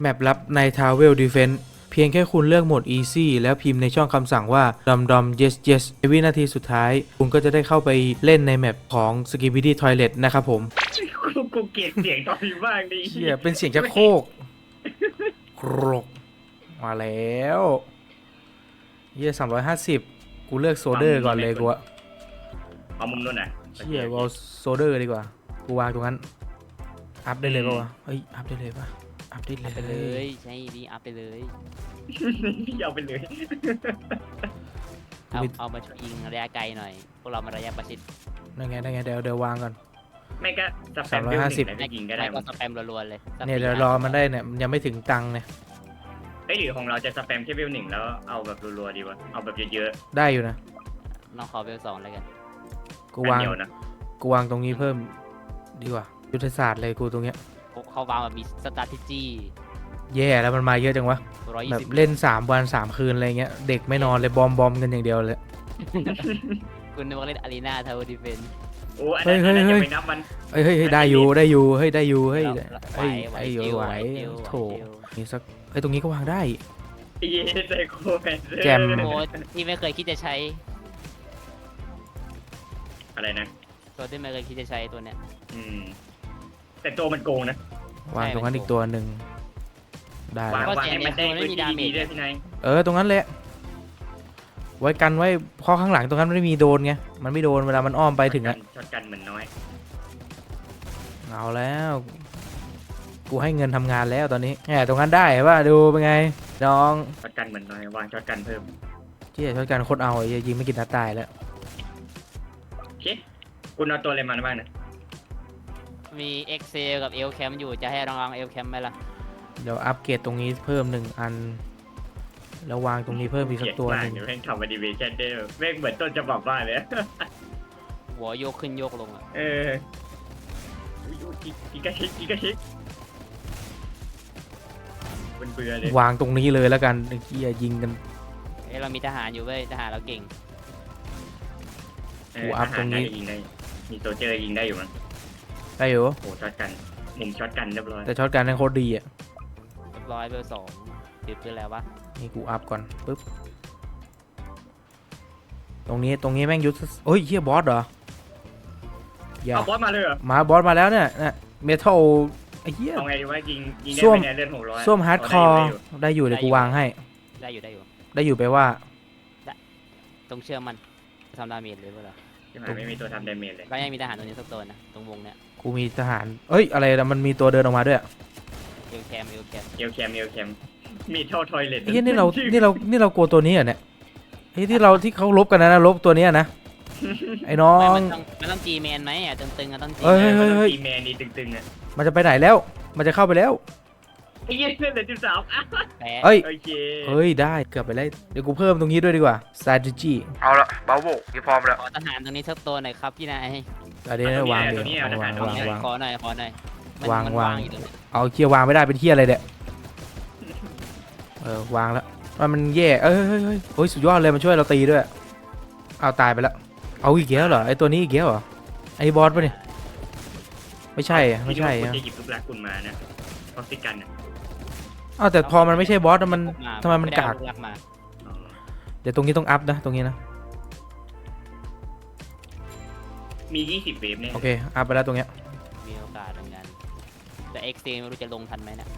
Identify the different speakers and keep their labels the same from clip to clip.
Speaker 1: แมปลับใน Travel Defense เพียงแค่คุณเลือกโหมด Easy แล้วพิมพ์ในช่องคำสั่งว่า dom yes yes ในวินาทีสุดท้าย คุณก็จะได้เข้าไปเล่นในแมปของ Skibidi Toilet นะครับผม
Speaker 2: กูเกลียดเสียงตอนนี้มากดิ
Speaker 1: เชี่ยเป็นเสียงชักโครกกรกมาแล้วเยี่ย350 กูเลือกโซเดอร์ก่อนเลยกูอะ
Speaker 2: เอามุมนู้นน่ะ
Speaker 1: เชี่ยกูเอาโซเดอร์ดีกว่า กูวางตรงนั้น อัพได้เลยป่าวะเฮ้ย อัพได้เลยป่ะ อัพได้เลย
Speaker 3: ไปเลยใช่ดีอัพไปเลย
Speaker 2: พี่เอาไปเลย
Speaker 3: เอามาช่วยยิงระยะไกลหน่อยพวกเรามาระยะประชิด
Speaker 1: นั่นไงเดี๋ยววางก่อน
Speaker 2: ไม่ก็สแปมเบลหนึ่งแล้วก็ยิงก็ได้
Speaker 3: ไม่ก็สแปมรัวๆเลย
Speaker 1: เนี่ยเดี๋ยวรอมันได้เนี่ยมันยังไม่ถึงตังค์เนี่ย
Speaker 2: เอ้ยหรือของเราจะสแปมแค่เบลหนึ่งแล้วเอาแบบรัวๆดีวะเอาแบบเยอะ
Speaker 1: ได้อยู่นะ
Speaker 3: น้องขอเวล2แล้วกัน
Speaker 2: ๆ
Speaker 1: กูวาง
Speaker 2: อันเดียวนะ
Speaker 1: กูวางตรงนี้เพิ่มดีกว่ายุทธศาสตร์เลยกูตรงเนี้ย
Speaker 3: เขาวางแบบมีสตาร์ทจี้
Speaker 1: แย่แล้วมันมาเยอะจังวะแบบ
Speaker 3: 120
Speaker 1: เล่น3 วัน 3 คืนอะไรเงี้ยเด็กไม่นอนเลยบอมกันอย่างเดียวเลย
Speaker 3: คุณนึกว่าเล่นอารีนาทาวเวอร์ดิเฟน
Speaker 2: โอ้อันนั้นจะไปนับมัน
Speaker 1: เฮ้ยได้อยู่เฮ้ยได้อยู่เฮ้ย
Speaker 3: ไหว
Speaker 1: ไอ้อยู่ไหวโถมีสักตรงนี้ก็วางได้
Speaker 2: เย้ไซโคแมนเซอร์
Speaker 1: แจม
Speaker 3: โค้ดที่ไม่เคยคิดจะใช้
Speaker 2: อะไรนะ
Speaker 3: ตัวที่ไม่เคยคิดจะใช้ตัวเนี้ย
Speaker 2: แต่ตัวมันโกงนะ
Speaker 1: วางตรงนั้นอีกตัวหนึ่งได้
Speaker 2: วาง
Speaker 1: แล้ว
Speaker 2: วางให้มันได้พื้นที่ดีๆด้วยพี่นาย
Speaker 1: ตรงนั้นแหละไว้กันไว้เพราะข้างหลังตรงนั้นไม่มีโดนไงมันไม่โดนเวลามันอ้อมไปถึงอะ
Speaker 2: ช็อตกันเหมือนน้อย
Speaker 1: เอาแล้วกูให้เงินทำงานแล้วตอนนี้แหมตรงนั้นได้ว่าดูเป็นไงน้อง
Speaker 2: ช็อตกันเหมือนน้อยวางช็อตกันเพิ่ม
Speaker 1: เชี่ยช่วยกันโคตรเอาไอ้ยิงไม่กินนัดตายแล้ว
Speaker 2: โอเคคุณเอาตัวอะไรมาบ้างนะ
Speaker 3: มี Excel กับ L Cam อยู่จะให้ลอง L Cam ไหมล่ะ
Speaker 1: เดี๋ยวอัปเกรดตรงนี้เพิ่ม1 อันแล้ววางตรงนี้เพิ่มอีกสักตัวหนึ่ง
Speaker 2: เดี๋ยวแม่งทำอนิเมชั่นได้แม่งเหมือนต้นฉบับบ้านเลย
Speaker 3: หัวโยกขึ้นโยกลงอ่ะ
Speaker 2: กิกาชิมันเบื่อเลย
Speaker 1: วางตรงนี้เลยแล้วกันไอ้เหี้ยยิงกัน
Speaker 3: เรามีทหารอยู่เว้ยทหารเราเก่ง
Speaker 1: กูอัพตรงนี้
Speaker 2: ยิงได้มีโซเจอร์ยิงได้อยู่มั้ง
Speaker 1: ได้อยู่
Speaker 2: โอ้ช็อตกันมุมช็อตกันเรียบร้อย
Speaker 1: แต่ช็อตการนั่นโคตรดีอ่ะ
Speaker 3: เรียบร้อยเวล2ติดไปแล้ววะ
Speaker 1: นี่กูอัพก่อนปึ๊บตรงนี้แม่งยุทธเฮ้ยเหี้ยบอสเหรออย่า
Speaker 2: เอาบอสมาเลยเหรอ
Speaker 1: มาบอสมาแล้วเนี่ยเมทัลไอ้เหี้ย
Speaker 2: เอาไงดีวะยิงได้
Speaker 1: ส้วม
Speaker 2: ไหมเนี่ยเลือด600
Speaker 1: ส้วมฮาร์ดคอร์ได้อยู่เดี๋ยวกูวางให้
Speaker 3: ได้อยู่
Speaker 1: ได้อยู่ไปว่า
Speaker 3: ตรงเชื่อมันทำดาเมจเลยเปล่า
Speaker 2: ที่หมายไม่มีตัวทำดาเมจเลย
Speaker 3: ก็ยังมีทหารตัวนี้สักตัวนะตรงวงเนี้ย
Speaker 1: กูมีทหารเอ้ยอะไรนะมันมีตัวเดินออกมาด้วย
Speaker 3: เอลแคม
Speaker 2: เอลแคมมีเท่าทอยเลท
Speaker 1: ไอ้เหี้ยนี่เรากลัวตัวนี้เหรอเนี่ยไอ้ที่เขาลบกันนะลบตัวเนี้ยนะไอ้น้อง
Speaker 3: มันต้องจีแมนไหมอ่ะตึงๆอ่ะต้องจี
Speaker 1: เอ้ย
Speaker 2: ตีแมนนี่ตึงๆอ่ะ
Speaker 1: มันจะไปไหนแล้วมันจะเข้าไปแล้ว
Speaker 2: ไอ้เหี้ยเลือดเหลือ13อ่ะ
Speaker 3: แพ้
Speaker 1: เอ้ย
Speaker 2: โอเค
Speaker 1: เฮ้ยได้เกือบไปแล้วเดี๋ยวกูเพิ่มตรงนี้ด้วยดีกว่า strategy เอาละเบาโบพี่พร้อมแล้ว
Speaker 3: ขอทหารตรงนี้สักตัวหน่อยครับพี่นาย
Speaker 1: อันนี้วางเดี๋ยววาง
Speaker 3: ขอหน่อยมัน
Speaker 1: วาง
Speaker 3: อยู่ตรงนี้
Speaker 1: เอาเคียววางไม่ได้เป็นเที่ยอะไรเนี่ยวางแล้วมันแย่เฮ้ยสุดยอดเลยมันช่วยเราตีด้วยเอาตายไปแล้วเอาอีกแล้วเหรอไอตัวนี้อีกแล้วเหรอไอบอสปะเนี่ยไม่ใช่ไม่ใช่
Speaker 2: คุณจะหยิบลูกรักคุณมานะออกซิกันอ่ะ
Speaker 1: อ้าวแต่พอมันไม่ใช่บอสมันทำไมมันกาก
Speaker 3: มา
Speaker 1: เดี๋ยวตรงนี้ต้องอัพนะตรงนี้นะ
Speaker 2: มี20เวฟเนี่ย
Speaker 1: โอเคอัพไปแล้วตรงเนี้ย
Speaker 3: มีโอกาสเหมือนกันแต่เอ็กซ์ไม่รู้จะลงทันไหมเนี่ย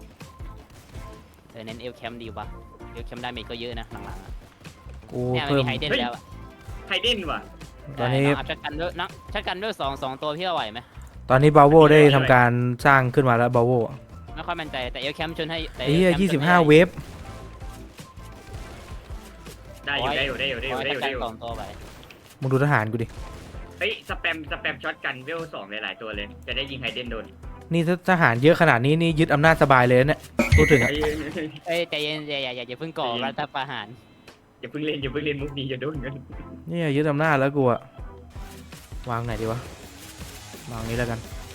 Speaker 3: เน้นเอลแคมดีวะเอลแคมได้เมจก็เยอะนะหลังๆ
Speaker 1: กู
Speaker 3: เนี่ยมัน
Speaker 1: เพิ่ม
Speaker 3: มีไฮเดนแล้ว
Speaker 2: ไฮเด้นว่ะ
Speaker 1: ตอนนี้
Speaker 3: อัพชัดกันด้วยนะชัดกันด้วย2ตัวพี่เอาไหวไหม
Speaker 1: ตอนนี้บาโวได้ทำการสร้างขึ้นมาแล้วบาโว
Speaker 3: ไม่ค่อยมั่นใจแต่เอลแคมชนให้
Speaker 1: ไอ้เหี้ย25 เวฟ
Speaker 2: ได้อยู่
Speaker 3: 2ตัวไป
Speaker 1: มึงดูทหารกูดิ
Speaker 2: เฮ้ยสแปมช็อตกันเวล2หลายๆตัวเลยจะได้ยิงไฮเด้นโดน
Speaker 1: นี่ถ้าทหารเยอะขนาดนี้นี่ยึดอำนาจสบายเลยนะเนี่ยพูดถึงอะ
Speaker 3: เอ้ยใจเย็นอย่าเพิ่งก่อรัฐประหาร
Speaker 2: อย่าเพิ่งเล่นมุกนี้จะโดนกัน
Speaker 1: เนี่ยยึดอำนาจแล้วกูอะวางไหนดีวะวางนี้แล้วกัน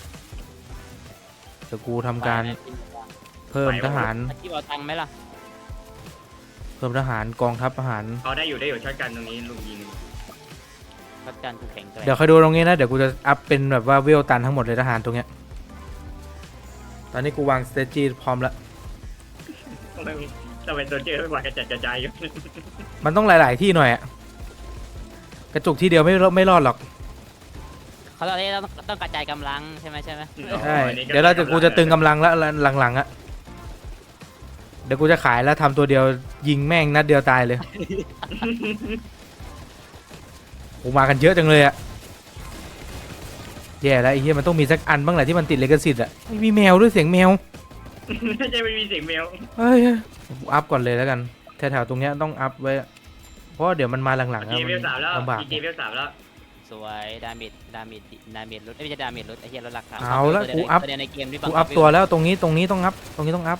Speaker 1: เดี๋ยวกูทำการเพิ่มทหาร
Speaker 3: ที่เอาตังค์ไหมล่ะ
Speaker 1: เพิ่มทหารกองทัพทหาร
Speaker 2: เอาได้อยู่ช็อตกันตรงนี้ลุงยิง
Speaker 3: รัฐการกูแข็งแกร่ง
Speaker 1: เดี๋ยวคอยดูตรงนี้นะเดี๋ยวกูจะอัพเป็นแบบว่าเวลตันทั้งหมดเลยทหารตรงเนี้ยตอนนี้กูวางสเตจี้พร้อมแล้ว
Speaker 2: ทำไมโซเจอร์ไม่กว่ากระจัดกระจายอยู่
Speaker 1: มันต้องหลาย ๆ ที่หน่อยอะกระจุกที่เดียวไม่รอดหรอก
Speaker 3: เขาตอนนี้ต้องกระจายกำลังใช่ไหม
Speaker 1: ใช่เดี๋ยวกูจะตึงกำลังแล้วหลังๆอะเดี๋ยวกูจะขายแล้วทำตัวเดียวยิงแม่งนัดเดียวตายเลยกูมากันเยอะจังเลยอะแย่แล้วไอ้เหี้ยมันต้องมีสักอันบ้างแหละที่มันติดลิขสิทธิ์อะไม่มีแมวด้วยเสียงแมว
Speaker 2: ไม่ใช่ไม่มีเสียงแมว
Speaker 1: เฮ้ยกูอัพก่อนเลยแล้วกันแถวๆตรงเนี้ยต้องอัพไว้เพราะเดี๋ยวมันมาหลังๆ
Speaker 2: เกมเวลสามแล้ว
Speaker 1: ลำบาก
Speaker 2: เกมเวลสามแล้ว
Speaker 3: สวยดาเมจลดไม่ใช่ดาเมจลดไอ้เหี้ยลดราคา
Speaker 1: เอาละกูอัพ
Speaker 3: ตัวเดียวในเกมที่
Speaker 1: กูอัพตัวแล้วตรงนี้ต้องอัพตรงนี้ต้องอัพ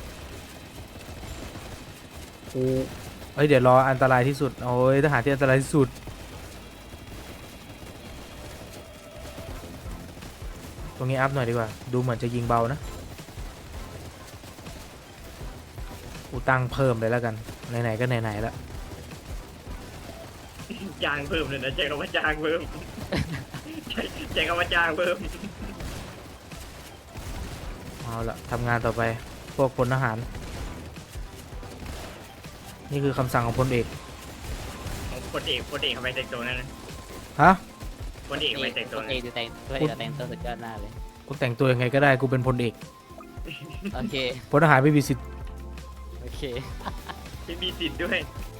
Speaker 1: กูเฮ้ยเดี๋ยวรออันตรายที่สุดโอ้ยทหารที่อันตรายที่สุดตรงนี้อัพหน่อยดีกว่าดูเหมือนจะยิงเบานะกูตั้งเพิ่มเลยแล้วกันไหนๆก็ไหนๆแล้ว
Speaker 2: จ้างเพิ่มเลยนะเจ๊ก็ว่าจ้างเพิ่มเจ๊ก็ว่าจ้างเพิ่ม
Speaker 1: เอาละทำงานต่อไปพวกพลทหารนี่คือคำสั่งของพลเอก
Speaker 2: พลเอกทำไมแต่งตัวนั่นนะ
Speaker 1: ฮะ
Speaker 2: พลเอกทำไมแต่งตัว
Speaker 3: ตัว
Speaker 2: นั่น
Speaker 3: เองแต่งตัวสุดยอดหน้าเลย
Speaker 1: กูแต่งตัวยังไงก็ได้กูเป็นพลเอก
Speaker 3: โอเค
Speaker 1: พลทหารไม่มีสิทธิ์
Speaker 3: โอเค
Speaker 2: ไม่มีสิทธิ์ด้วย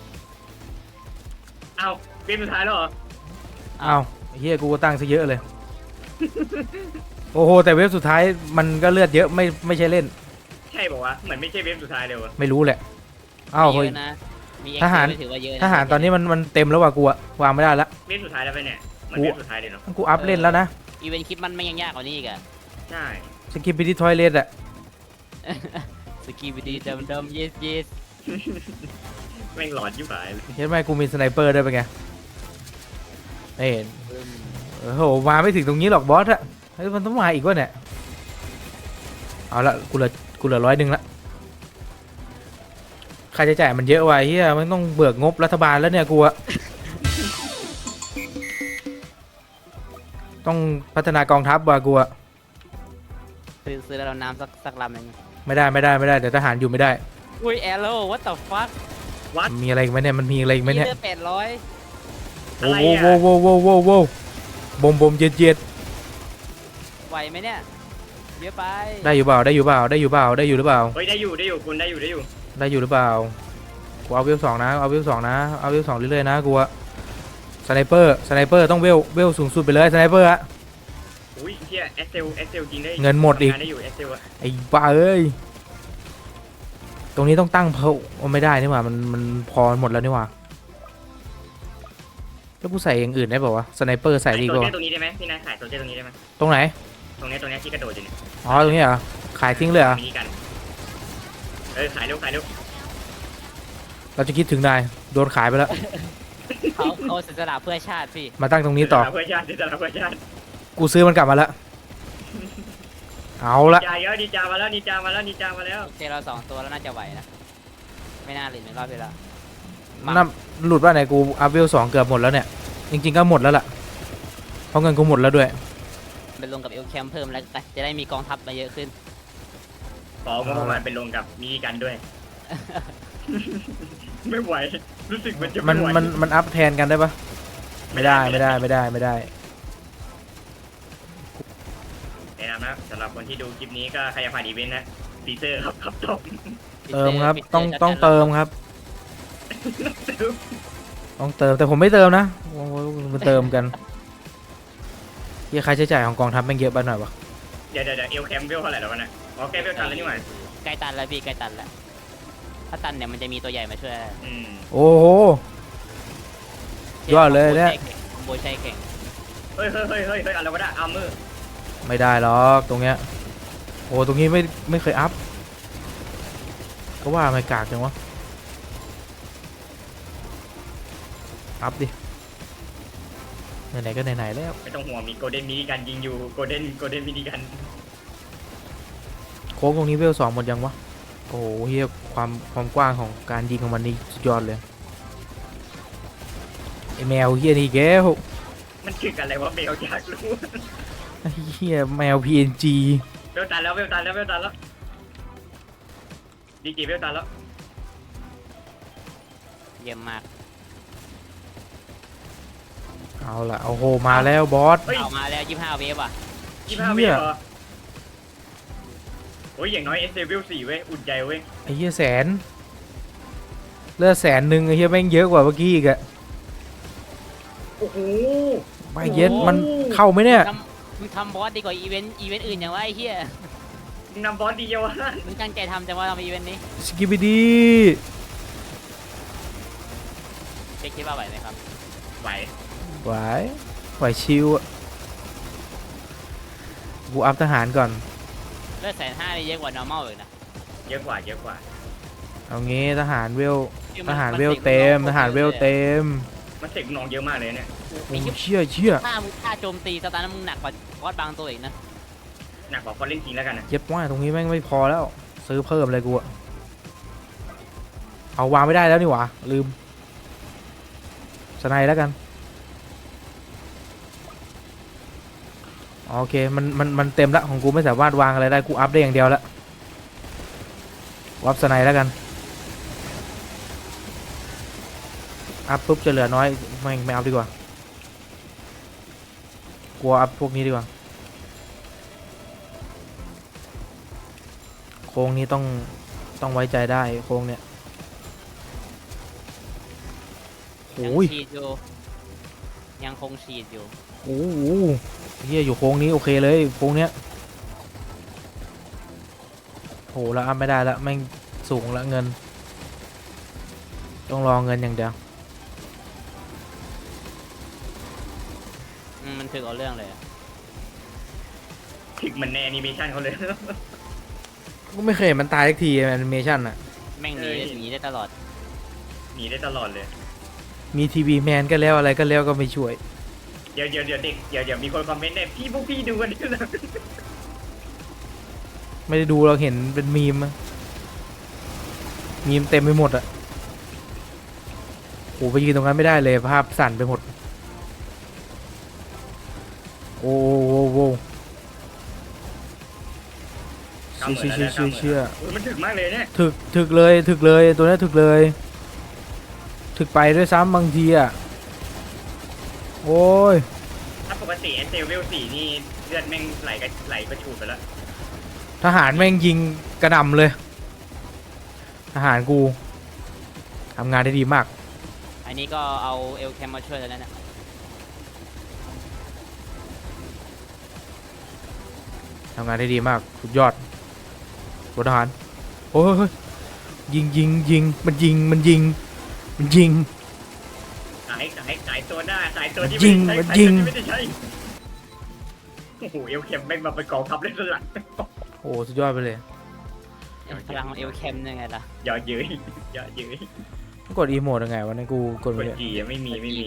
Speaker 2: เอาเกมสุดท้ายแล้วเหรอ
Speaker 1: อ้าวเฮียกูก็ตั้งซะเยอะเลย โอ้โหแต่เว็บสุดท้ายมันก็เลือดเยอะไม่ใช่เล่น
Speaker 2: ใช่บอกว่าเหมือนไม่ใช่เว็บสุดท้ายเลยวะ
Speaker 1: ไม่รู้แหละอ้าวเฮ้ย
Speaker 3: เยอะนะมี
Speaker 1: ทหาร
Speaker 3: ถือว่าเยอะะ
Speaker 1: ทหารตอนนี้มันเต็มแล้วว่ะกูอะวางไม่ได้ละ
Speaker 2: เว็บสุดท้ายแล้วไปเนี่ยเหมือนเว็บสุดท้ายเลยเนาะ
Speaker 1: กูอัพเล่นแล้วนะ
Speaker 3: อีเวนต์คลิปมันไม่ยังยากกว่านี้อีกอะ
Speaker 2: ใช่
Speaker 1: สกิปไปที่ทอยเลทอะ
Speaker 3: สกีบิดีดำ yes
Speaker 2: แม่งหลอนยิ่งหายเลย
Speaker 1: เห็นไหมกูมีสไนเปอร์ด้วยเป็นไงเอ้ยโอ้โหมาไม่ถึงตรงนี้หรอกบอสอะเฮ้ยมันต้องมาอีกวะเนี่ยเอาละกูเหลือ100ละค่าใช้จ่ายมันเยอะว่ะเฮียมันต้องเบิกงบรัฐบาลแล้วเนี่ยกูอะต้องพัฒนากองทัพว่ะกูอะ
Speaker 3: ซื้อแล้วเราน้ำสักลำหนึ่ง
Speaker 1: ไม่ได้เดี๋ยวทหารอยู่ไม่ได้
Speaker 3: อุ้ยแอโร่ what the fuck
Speaker 1: มีอะไรอีกไหมเนี่ยมันมีอะไรอีกไหมเนี่ย
Speaker 3: เลือด800
Speaker 1: โอ้โหบมเย็ด
Speaker 3: ไหวไหมเนี่ยเยอะไป
Speaker 1: ได้อยู่เปล่าได้อยู่หรือเปล่า
Speaker 2: เฮ้ยได้อยู่คุณได้อยู่
Speaker 1: ได้อยู่หรือเปล่ากูเอาเวล2นะเอาเวล2นะเอาเวล2เรื่อยๆนะกูอะสไนเปอร์ต้องเวลสูงสุดไปเลยสไนเปอร์อะ
Speaker 2: อุ้ยเฮียเอสเซลจริงได้
Speaker 1: เงินหมดอีก
Speaker 2: ทำงานได้อยู่เอสเซลอะ
Speaker 1: ไอ้บ้าเอ้ยตรงนี้ต้องตั้งเพลไม่ได้นี่หว่ามันพอหมดแล้วนี่หว่าแล้วกูใส่อย่างอื่นได้เปล่าวะสไนเปอร์ใส่ดีก
Speaker 2: โซ
Speaker 1: ว่า
Speaker 2: เจอร์ตรงนี้ได้ไหมพี่นายขายโซเจอร์ตรงนี้ได้ไหม
Speaker 1: ตรงไหน
Speaker 2: ตรงนี้ที่กระโดดอยู่เนี่ย
Speaker 1: อ๋อตรงนี้เหรอขายทิ้งเลยเหรอ
Speaker 2: มินิกันขายเร็ว
Speaker 1: เราจะคิดถึงนายโดนขายไปแล้ว
Speaker 3: เขาเสียสละเพื่อชาติพี่
Speaker 1: มาตั้งตรงนี้ต่อ
Speaker 2: เพื่อชาติเพื่อชาติ
Speaker 1: กูซื้อมันกลับมาแล้วเอาละ
Speaker 2: จ่ายเยอะดีจามาแล้วดีจามาแล้ว
Speaker 3: โอเคเรา2ตัวแล้วน่าจะไหวนะไม่น่าหลุดในรอบที่แล้ว
Speaker 1: น้ำหลุดว่าไหนกูอัพเวล2เกือบหมดแล้วเนี่ยจริงๆก็หมดแล้วล่ะเพราะเงินกูหมดแล้วด้วย
Speaker 3: ไปลงกับเอลแคมเพิ่มแล้วกันจะได้มีกองทัพมาเยอะขึ้น
Speaker 2: ขอประมาณเป็นลงกับมินิกันด้วย ไม่ไหวรู้สึกมันจะ
Speaker 1: มั
Speaker 2: ไม่
Speaker 1: น
Speaker 2: ไหว
Speaker 1: มันอัพแทนกันได้ปะไม่ได้
Speaker 2: แนะนำนะสำหรับคนที่ดูคลิปนี้ก็ใครจะผ่านอีเวนต์นะฟีเซอร์ครับจบ
Speaker 1: เติมครับต้องเติมครับต้องเติมแต่ผมไม่เติมนะโอ้โหมันเติมกันที่ค่าใช้จ่ายของกองทัพแม่งเยอะไปหน่อยวะ
Speaker 2: เดี๋ยวเอลแคมเวลเท่าไหร่แล้ววะเนี่ยอ๋อแคมเวลตันแล้วนี่หว่า
Speaker 3: ใกล้ตันแล้วพี่ใกล้ตันแล้วถ้าตันเนี่ยมันจะมีตัวใหญ่มาช่วย
Speaker 1: โอ้โห ยอดเลยเนี่ย
Speaker 3: คอมโบใช้เก่ง
Speaker 2: เฮ้ยอะไรวะเนี่ยอาร์เมอร์
Speaker 1: ไม่ได้หรอกตรงเนี้ยโอ้ตรงนี้ไม่เคยอัพก็ว่าไม่กากจังวะอัพดิไหนๆก็ไหนๆแล้ว
Speaker 2: ไม่ต้องห่วงมีโกลเด้นมินิกันยิงอยู่โกลเด้นมินิกัน
Speaker 1: โค้งตรงนี้เวล2หมดยังวะโอ้โหเฮียความกว้างของการยิงของมันนี่สุดยอดเลยไอแมวเฮียนี่แกว
Speaker 2: มันคืออะไรวะเบลอยากรู้
Speaker 1: ไอ้เฮียแมว PNG
Speaker 2: เวลตันแล้วดีจีเวลตายแล้ว
Speaker 3: เยี่ยมมาก
Speaker 1: เอาละโอ้โหมาแล้วบอส
Speaker 2: เฮ้ย
Speaker 3: เอามาแล้ว25เวฟอ่ะ
Speaker 2: 25
Speaker 1: เชี่
Speaker 2: เวย ฟเหรอโอ้ยอย่างน้อยเอสเวล4เว้ยอุ่นใจเว้ย
Speaker 1: ไอ้เหี้ยแสนเลือด100,000ไอ้เหี้ยแม่งเยอะกว่าเมื่อกี้อีกอะ
Speaker 2: โอ้โห
Speaker 1: ไม่เย็ดมันเข้าไหมเนี่ย
Speaker 3: มึงทำบอสดีกว่าอีเวนต์อื่นอย่างว่าไอ้เหี้ย
Speaker 2: มึงนำบอสดีเยาวะ
Speaker 3: มึงตั้งใจทำแต่ว่าทำอีเวนต์นี้
Speaker 1: สกิบิดี
Speaker 3: เช็คคิดว่าไหวไหมครับ
Speaker 2: ไหว
Speaker 1: ไหวไหวชิวอะกูอัพทหารก่อน
Speaker 3: เลือด150,000นี่เยอะกว่า normal อีกนะ
Speaker 2: เยอะกว่าเยอะกว่า
Speaker 1: เอางี้ทหารเวล
Speaker 3: คือ
Speaker 1: ท
Speaker 3: มัน
Speaker 1: หาร
Speaker 3: มัน
Speaker 1: เวล
Speaker 3: เสก
Speaker 1: เต็ม
Speaker 3: มัน
Speaker 1: ทหารเวลเต็ม
Speaker 2: มันเสกน้องเยอะมากเลยเนี่ย
Speaker 1: โอ้เชี่ย
Speaker 3: ถ้าโจมตีสตาร์นั้นมึงหนักกว่าบอสบางตัวอีกนะ
Speaker 2: หนักกว่าคนเล่นจริงแล้วกันนะ
Speaker 1: เย็บว่าตรงนี้แม่งไม่พอแล้ว ซื้อเพิ่มเลยกูอะเอาวางไม่ได้แล้วนี่หว่าลืมสไนด์แล้วกันโอเคมันเต็มละของกูไม่สามารถวางอะไรได้กูอัพได้อย่างเดียวละอัพสไนด์แล้วกันอัพปุ๊บจะเหลือน้อยไม่อัพดีกว่ากลัวอัพพวกนี้ดีกว่าโค้งนี้ต้องไว้ใจได้โค้งเนี่ย
Speaker 3: ยัง
Speaker 1: โอ้ย
Speaker 3: ฉีดอยู่ยังคงฉีดอยู่
Speaker 1: โอ้โหเฮียอยู่โค้งนี้โอเคเลยโค้งเนี้ยโหแล้วอัพไม่ได้แล้วแม่งสูงละเงิน ต้องรอเงินอย่างเดียว
Speaker 3: มันถึงเอาเรื่องเลยอะ
Speaker 2: ถึงมันในแอนิเมชันเขาเลย
Speaker 1: ก็ไม่เคยเห็นมันตายสักทีแอนิเมชันอะ
Speaker 3: แม่งหนีได้หนีได้ตลอด
Speaker 2: หนีได้ตลอดเลย
Speaker 1: มีทีวีแมนก็แล้วอะไรก็แล้วก็ไม่ช่วย
Speaker 2: เดี๋ยวเด็กเดี๋ยวมีคนคอมเมนต์เนี่ยพวกพี่ดูกันด้วยนะ
Speaker 1: ไม่ได้ดูเราเห็นเป็นมีมอะมีมเต็มไปหมดอะโหไปยืนตรงนั้นไม่ได้เลยภาพสั่นไปหมดโอ้โห เชื่อ
Speaker 2: โอ้ยมันถึกมากเลยเนี่ย
Speaker 1: ถึกเลยตัวนี้ถึกเลยถึกไปด้วยซ้ำบางทีอ่ะโอ้ย
Speaker 2: ถ้าปกติเอสเวล4นี่เลือดแม่งไหลกระชูดไปแล้ว
Speaker 1: ทหารแม่งยิงกระหน่ำเลยทหารกูทำงานได้ดีมาก
Speaker 3: อันนี้ก็เอาเอลแคมมาช่วยแล้วนะ
Speaker 1: ทำงานได้ดีมากสุดยอดรถทหารโอ้ยยิงมันยิง
Speaker 2: ขายตัวหน้าขายตัวที่
Speaker 1: ยิง
Speaker 2: ไม่ได้
Speaker 1: มัน
Speaker 2: ใช้
Speaker 1: ยิง
Speaker 2: ไม่ได้ใช้โอ้โหเอลเคมแม่งมาเป็นกองทัพเล่นสลัก
Speaker 1: โอ้สุดยอดไปเลย
Speaker 3: พลังของเอลแคมยังไงล่ะ
Speaker 2: อย่าเย้ยอย่าเย้ย
Speaker 1: กดอีโมดยังไงวะเนี่ยกูกด
Speaker 2: ก
Speaker 1: ไม่
Speaker 2: ด
Speaker 1: ได้
Speaker 2: จีอะไม่มี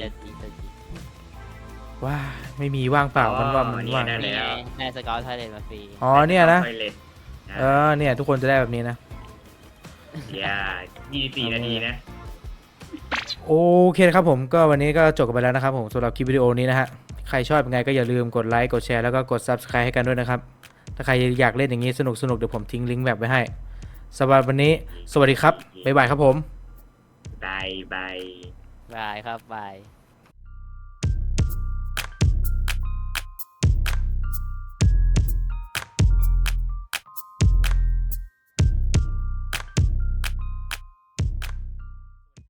Speaker 1: ว้าไม่มีว่างเปล่ามันว่ามันว่าง
Speaker 2: ได้
Speaker 3: นี่
Speaker 2: แล้ว
Speaker 3: ไงได้สเกลไทยเลนมาฟรี
Speaker 1: อ๋อเนี่ยนะ
Speaker 2: ทอยเล็ต
Speaker 1: เนี่ยทุกคนจะได้แบบนี้นะ
Speaker 2: อย่า24 นาทีนะ
Speaker 1: โอเคนะครับผมก็วันนี้ก็จบกันไปแล้วนะครับผมสำหรับคลิปวิดีโอนี้นะฮะใครชอบยังไงก็อย่าลืมกดไลค์กดแชร์แล้วก็กด Subscribe ให้กันด้วยนะครับถ้าใครอยากเล่นอย่างนี้สนุกเดี๋ยวผมทิ้งลิงก์แบบไว้ให้สำหรับวันนี้สวัสดีครับบ๊ายบายครับผม
Speaker 2: บาย
Speaker 3: บายครับบาย